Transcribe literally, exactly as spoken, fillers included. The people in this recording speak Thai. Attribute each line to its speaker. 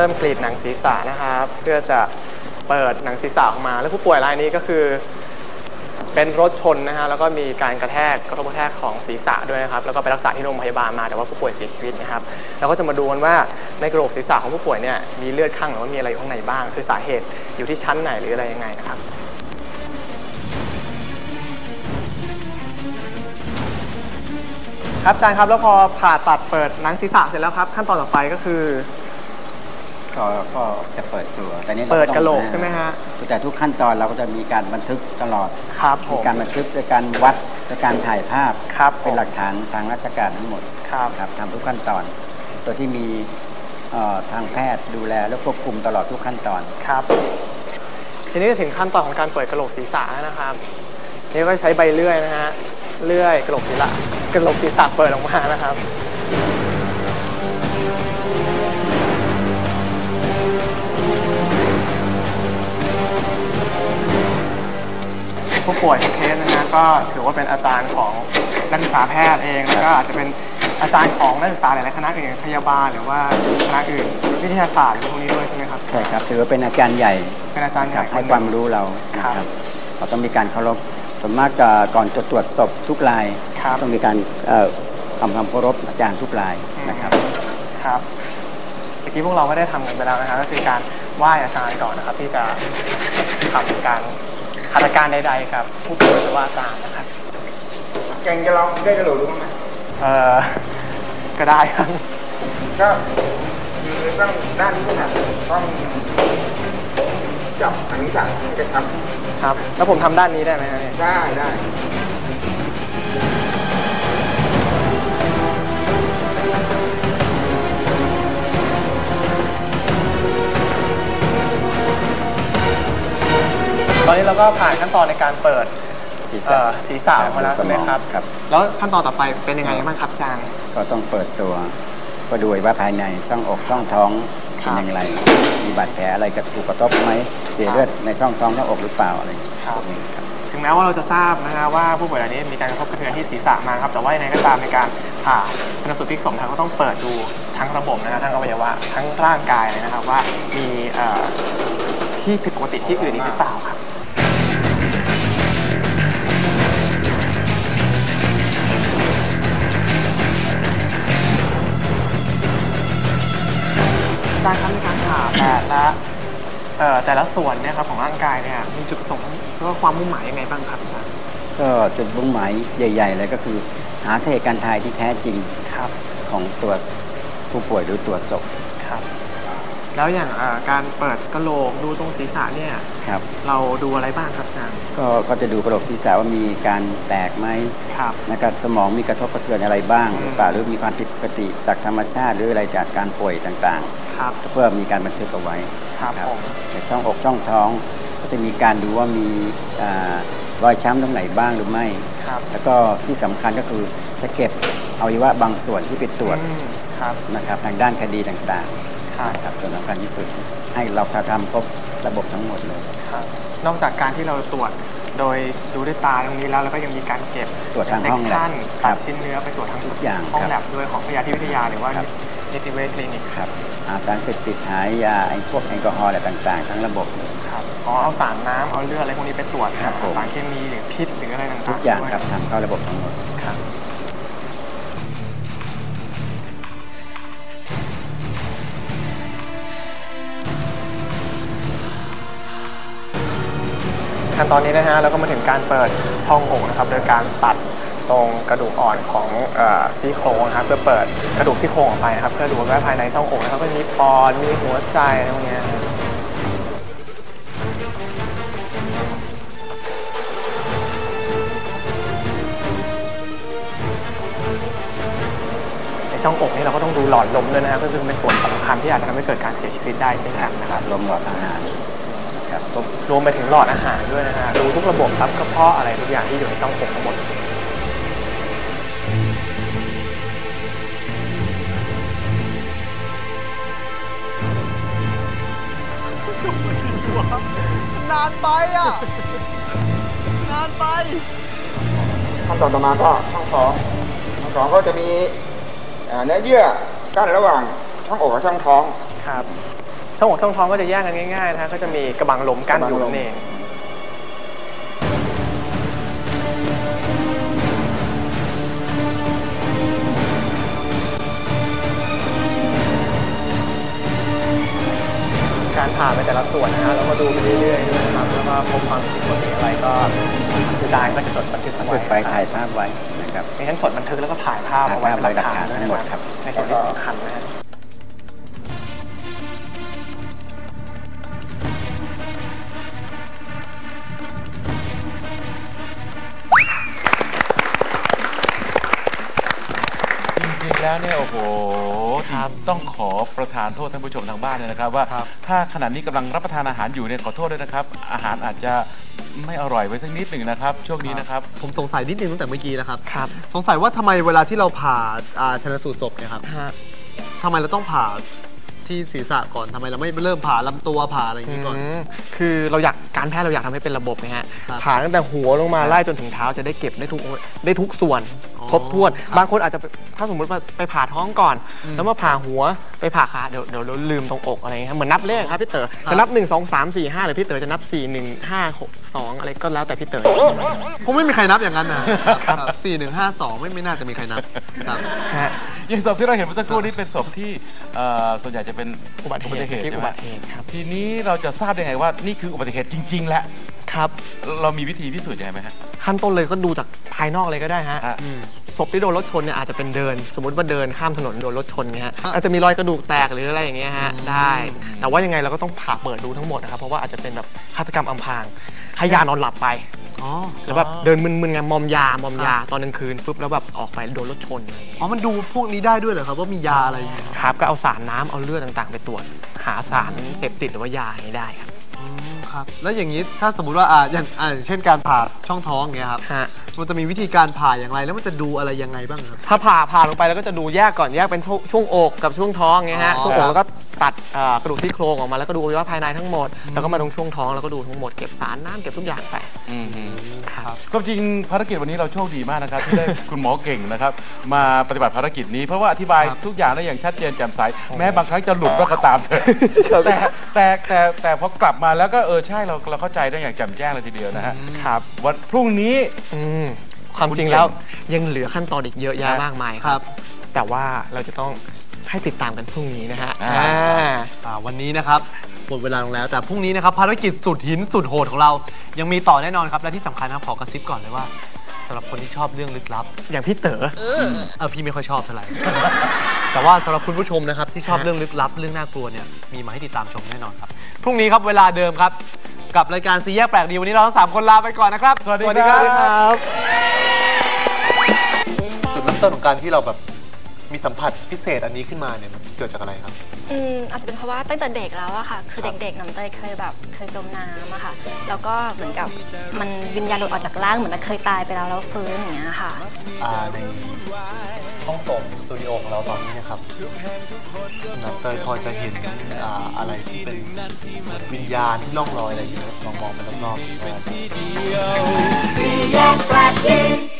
Speaker 1: มกรีดหนังศีรษะนะครับเพื่อจะเปิดหนังศีรษะออกมาแล้วผู้ป่วยรายนี้ก็คือเป็นรถชนนะฮะแล้วก็มีการกระแทกกระทบกระแทกของศีรษะด้วยนะครับแล้วก็ไปรักษาที่โรงพยาบาลมาแต่ว่าผู้ป่วยเสียชีวิตนะครับแล้วก็จะมาดูกันว่าในกระโหลกศีรษะของผู้ป่วยเนี่ยมีเลือดข้างหรือว่ามีอะไรอยู่ข้างในบ้างคือสาเหตุอยู่ที่ชั้นไหนหรืออะไรยังไงนะครับครับอาจารย์ครับแล้วพอผ่าตัดเปิดหนังศีรษะเสร็จแล้วครับขั้นตอนต่อไปก็คือ
Speaker 2: ก็ก็จะเปิดตัวแต่นี้
Speaker 1: เปิดกระโหลกใช่ไหมฮะ
Speaker 2: แต่ทุกขั้นตอนเราก็จะมีการบันทึกตลอด
Speaker 1: ครับมี
Speaker 2: การบันทึกในการวัดในการถ่ายภาพ
Speaker 1: ครับ
Speaker 2: เป็นหลักฐานทางราชการทั้งหมด
Speaker 1: ครับ
Speaker 2: ครับทำทุกขั้นตอนตัวที่มีทางแพทย์ดูแลและควบคุมตลอดทุกขั้นตอน
Speaker 1: ครับทีนี้ถึงขั้นตอนของการเปิดกระโหลกศีรษะนะครับนี่ก็ใช้ใบเลื่อยนะฮะเลื่อยกระโหลกศีรษะกระโหลกศีรษะเปิดออกมานะครับผู้ป่วยทุกเคสนะฮะก็ถือว่าเป็นอาจารย์ของนักศึกษาแพทย์เองแล้วก็อาจจะเป็นอาจารย์ของนักศึกษาหลายๆคณะอื่นพยาบาลหรือว่าคณะอื่นวิทยาศาสตร์หรือพวกนี้ด้วยใช่ไหมครับ
Speaker 2: ใช่ครับถือว่าเป็นอาจารย์ใหญ่
Speaker 1: เป็นอาจารย์ใหญ่
Speaker 2: ให้ความรู้เราครับเราต้องมีการเคารพส่วนมากก่อนจะตรวจศพทุกรายต้องมีการทำความเคารพอาจารย์ทุกรายนะครับ
Speaker 1: ครับเมื่อกี้พวกเราก็ได้ทำกันไปแล้วนะครับก็คือการไหว้อาจารย์ก่อนนะครับที่จะทำการหัตถการใดๆครับผู้ป่วยหรือว่าอาจารย์นะครับ
Speaker 3: เก่งจะลองได้กระโหลกดูไหม
Speaker 1: เออก็ได้ครับ
Speaker 3: ก็คือต้องด้านนี้นะต้องจับอันนี้สั่งกระชับ
Speaker 1: ครับแล้วผมทำด้านนี้ได้ไหมครับ
Speaker 3: ได้ได้
Speaker 1: ตอนนี้เราก็ผ่านขั้นตอนในการเปิดศีรษะออกมาแล้วใช่ไหมครับแล้วขั้นตอนต่อไปเป็นยังไงบ้างครับอาจารย์
Speaker 2: ก็ต้องเปิดตัวก็ดูว่าภายในช่องอกช่องท้องเป็นอย่างไรมีบาดแผลอะไรกระถูกกระทบไหมเสียเลือดในช่องท้องช่องอกหรือเปล่าอะไร
Speaker 1: ครับถึงแม้ว่าเราจะทราบนะฮะว่าผู้ป่วยรายนี้มีการกระทบกระเทือนที่ศีรษะมาครับแต่ว่าในก็ตามในการผ่าชนสูตรพลิกศพเขาก็ต้องเปิดดูทั้งระบบนะฮะทั้งอวัยวะทั้งร่างกายเลยนะครับว่ามีที่ผิดปกติที่อื่นอีกหรือเปล่าครับการทำในการผ่าแต่ละแต่ละส่วนเนี่ยครับของร่างกายเนี่ยมีจุดประสงค์แล้วก็ความมุ่งหมายยังไงบ้างครับอาจารย์
Speaker 2: ก็จุดมุ่งหมายใหญ่ๆเลยก็คือหาสาเหตุการตายที่แท้จริง
Speaker 1: ครับของ
Speaker 2: ตัวผู้ป่วยหรือตัวศพ
Speaker 1: ครับแล้วอย่างการเปิดกระโหลกดูตรงศีรษะเนี่ย
Speaker 2: ครับ
Speaker 1: เราดูอะไรบ้างครับอาจารย์
Speaker 2: ก็ก็จะดูกระโหลกศีรษะว่ามีการแตกไหม
Speaker 1: ครับ
Speaker 2: นะครับสมองมีกระทบกระเทือนอะไรบ้างหรือเปล่าหรือมีความผิดปกติจากธรรมชาติหรืออะไรจากการป่วยต่าง
Speaker 1: ๆครับ
Speaker 2: เพื่อมีการบันทึกเอาไว้
Speaker 1: ครับ
Speaker 2: ในช่องอกช่องท้องก็จะมีการดูว่ามีรอยช้ำตรงไหนบ้างหรือไม่แล้วก็ที่สำคัญก็คือจะเก็บอวัยวะบางส่วนที่ไปตรวจนะครับทางด้านคดีต่างๆครับส่วนสำคัญที่สุดให้เราทำครบระบบทั้งหมดเลย
Speaker 1: นอกจากการที่เราตรวจโดยดูด้วยตาตรงนี้แล้วแล้วก็ยังมีการเก็บ
Speaker 2: ตรวจทางห้องแลบ
Speaker 1: ตัดชิ้นเนื้อไปตรวจทั้งทุกอย่างห้องแลบด้วยของพยาธิวิทยาหรือว่านิติเวชคลินิก
Speaker 2: ครับหาสารเสพติดหายาไอ้พวกแอลกอฮอล์อะไรต่างๆทั้งระบบ
Speaker 1: ครับอ๋อเอาสารน้ำเอาเลือดอะไรพวกนี้ไปตรวจครับสารเคมีหรือพิษหรืออะไรต่างๆ
Speaker 2: ทุกอย่างครับทำเข้าระบบทั้งหมด
Speaker 1: ครับขั้นตอนนี้นะฮะแล้วก็มาถึงการเปิดช่องอกนะครับโดยการตัดตรงกระดูกอ่อนของซี่โครงนะครับเพื่อเปิดกระดูกซี่โครงออกไปนะครับเพื่อดูว่าภายในช่องอกนะครับก็มีปอดมีหัวใจอะไรพวกนี้ในช่องอกนี่เราก็ต้องดูหลอดลมด้วยนะครับซึ่งเป็นส่วนสำคัญที่อาจจะทำให้เกิดการเสียชีวิตได้เช่นกันนะครับ
Speaker 2: ลมหลอดอาหาร
Speaker 1: รวมไปถึงหลอดอาหารด้วยนะฮะดูทุกระบบครับกระเพาะอะไรทุกอย่างที่อยู่ในช่องอกทั้งหมดนานไปอ่ะนานไป
Speaker 3: ขั้นตอนต่อมาก็ช่องท้องช่องท้องก็จะมีเนื้อเยื่อกั้นระหว่างช่องอกกับช่องท้อง
Speaker 1: ครับช่องอกช่องท้องก็จะแยกกันง่ายๆนะฮะก็จะมีกระบังลมกั้นอยู่นั่นเองการผ่าไปแต่ละส่วนนะฮะเราก็ดูไปเรื่อยๆนะครับแล้วก็พบความผิดปกติอะไรก็อาจารย์ก็จะจดบันทึกเอาไว้
Speaker 2: ไปถ่ายภาพไว้นะครับ
Speaker 1: ในนั้นจดบันทึกแล้วก็ถ่ายภาพเอาไว้เป็นหลักฐาน
Speaker 2: ทั้งหมดครับ
Speaker 1: ในส่วนที่สำคัญนะฮะ
Speaker 4: จริงๆแล้วเนี่ยโอ้โหต้องขอประทานโทษท่านผู้ชมทางบ้านเลยนะครับว่าถ้าขณะนี้กำลังรับประทานอาหารอยู่เนี่ยขอโทษด้วยนะครับอาหารอาจจะไม่อร่อยไว้สักนิดหนึ่งนะครับช่วงนี้นะครับ
Speaker 5: ผมสงสัยนิดนึงตั้งแต่เมื่อกี้แล้วครับ
Speaker 1: ครับ
Speaker 5: สงสัยว่าทำไมเวลาที่เราผ่าอ่าชันสูตรศพเนี่ยครับ
Speaker 1: ฮะ
Speaker 5: ทำไมเราต้องผ่าที่ศีรษะก่อนทำไมเราไม่เริ่มผ่าลำตัวผ่าอะไรอย่างนี้ก่อน
Speaker 1: อืมคือเราอยากการแพทย์เราอยากทำให้เป็นระบบนะฮะ
Speaker 5: ครับ
Speaker 1: ผ่าตั้งแต่หัวลงมาไล่จนถึงเท้าจะได้เก็บได้ทุกได้ทุกส่วน
Speaker 5: อ๋อ
Speaker 1: ครบถ้วน
Speaker 5: ครับ
Speaker 1: บางคนอาจจะถ้าสมมติว่าไปผ่าท้องก่อน
Speaker 5: อืม
Speaker 1: แล้วมาผ่าหัวไปผ่าขาเดี๋ยวเดี๋ยวเราลืมตรงอกอะไรเงี้ยเหมือนนับเลขครับพี่เต๋อจะนับหนึ่งสองสามสี่ห้าหรือพี่เต๋อจะนับสี่หนึ่งห้าหกสองอะไรก็แล้วแต่พี่เต๋อ
Speaker 5: คงไม่มีใครนับอย่างนั้นนะครับสี่หนึ่งห้าสองไม่ไม่น่าจะมีใครนับครับ
Speaker 1: ฮะ
Speaker 4: อย่างศพที่เราเห็นเมื่อสักครู่นี้เป็นศพที่เอ่อส่วนใหญ่จะเป็น
Speaker 1: อุบัติเหตุที่
Speaker 4: ใช่
Speaker 1: อุ
Speaker 4: ไหม
Speaker 1: บัติเหตุครับ
Speaker 4: ทีนี้เราจะทราบได้ไงว่านี่คืออุบัติเหตุจริง ๆ แล้ว
Speaker 1: ครับ
Speaker 4: เรามีวิธีพิสูจน์ยังไงไหมฮะ
Speaker 1: ขั้นต้นเลยก็ดูจากภายนอกเลยก็ได้ฮะ
Speaker 4: ฮะ
Speaker 1: อืมศพที่โดนรถชนเนี่ยอาจจะเป็นเดิน สมมติว่าเดินข้ามถนนโดนรถชนเงี้ยฮะอาจจะมีรอยกระดูกแตกหรืออะไรอย่างเงี้ยฮะได้ แต่ว่ายังไงเราก็ต้องผ่าเปิดดูทั้งหมดนะครับเพราะว่าอาจจะเป็นแบบฆาตกรรมอำพรางให้ยานอนหลับไป
Speaker 5: อ๋อ
Speaker 1: แล้วแบบเดินมึนๆไงมอมยามอมยาตอนกลางคืนปุ๊บแล้วแบบออกไปโดนรถชนอะไรอย่างเงี้ย
Speaker 5: อ๋อมันดูพวกนี้ได้ด้วยเหรอครับว่ามียาอะไรอย่างเงี้ยครับ
Speaker 1: ครับก็เอาสารน้ำเอาเลือดต่างๆ ไปตรวจหาสารเสพติดหรือว่ายาอย่างนี้ได้ครับ
Speaker 5: อืมครับแล้วอย่างนี้ถ้าสมมุติว่าอ่าอย่างอ่าอย่างเช่นการผ่าช่องท้องอย่างเงี้ยครับ
Speaker 1: ฮะ
Speaker 5: มันจะมีวิธีการผ่าอย่างไรแล้วมันจะดูอะไรยังไงบ้างครับ
Speaker 1: ถ้าผ่าผ่าลงไปแล้วก็จะดูแยกก่อนแยกเป็นช่วงช่วงอกกับช่วงท้องเงี้ยฮะ
Speaker 5: อ๋อ
Speaker 1: ช่วงอกแล้วก็ตัดเอ่อกระดูกซี่โครงออกมาแล้วก็ดูอวัยวะภายในทั้งหมดแล้วก็มาตรงช่วงท้องแล้วก็ดูทั้งหมดเก็บสารน้ำเก็บทุกอย่างไป
Speaker 4: อืมฮึ
Speaker 1: ครับ
Speaker 4: ก็จริงภารกิจวันนี้เราโชคดีมากนะครับ ที่ได้ คุณหมอเก่งนะครับมาปฏิบัติภารกิจนี้เพราะว่าอธิบายทุกอย่างได้อย่างชัดเจนแจ่มใสแม้บางครั้งจะหลุดก็ตามเถอะแต่แต่แต่แต่พอกลับมาแล้วก็เออใช่เราเราเข้าใจได้อย่างแจ่มแจ้งเลยทีเดียวนะฮะ
Speaker 1: ครับ
Speaker 4: วันพรุ่งนี้
Speaker 1: อืมความจริงแล้วยังเหลือขั้นตอนอีกเยอะแยะ
Speaker 4: ครับ
Speaker 1: มากมาย
Speaker 5: ครับ
Speaker 1: แต่ว่าเราจะต้องให้ติดตามกันพรุ่งนี้นะฮะ
Speaker 4: อ่า
Speaker 1: อ่า
Speaker 5: อ่าวันนี้นะครับหมดเวลาลงแล้วแต่พรุ่งนี้นะครับภารกิจสุดหินสุดโหดของเรายังมีต่อแน่นอนครับและที่สำคัญนะครับขอกระซิบก่อนเลยว่าสำหรับคนที่ชอบเรื่องลึกลับ
Speaker 1: อย่างพี่เต๋อ
Speaker 5: เออพี่ไม่ค่อยชอบเท่าไหร่ แต่ว่าสำหรับคุณผู้ชมนะครับที่ชอบเรื่องลึกลับเรื่องน่ากลัวเนี่ยมีมาให้ติดตามชมแน่นอนครับพรุ่งนี้ครับเวลาเดิมครับกับรายการซีแยกแปลกดีวันนี้เราทั้งสามคนลาไปก่อนนะครับ
Speaker 4: สวัสดีครับ
Speaker 1: ครับ
Speaker 5: จุดเริ่มต้นของการที่เราแบบมีสัมผัสพิเศษอันนี้ขึ้นมาเนี่ยมันเกิดจากอะไรครับ
Speaker 6: อืมอาจจะเป็นเพราะว่าตั้งแต่เด็กแล้วอะค่ะ คือเด็กๆน้ำเตยเคยแบบเคยจมน้ำอะค่ะ แล้วก็เหมือนกับมันวิญญาณหลุดออกจากร่างเหมือนเคยตายไปแล้วแล้วฟื้นอย่างเงี้ยค่ะ
Speaker 5: อ่าในห้องส่งสตูดิโอของเราตอนนี้นะครับนับเตยพอจะเห็นอ่าอะไรที่เป็นเหมือนวิญญาณที่ล่องลอยอะไรอยู่ลองมองไปรอบๆนะครับ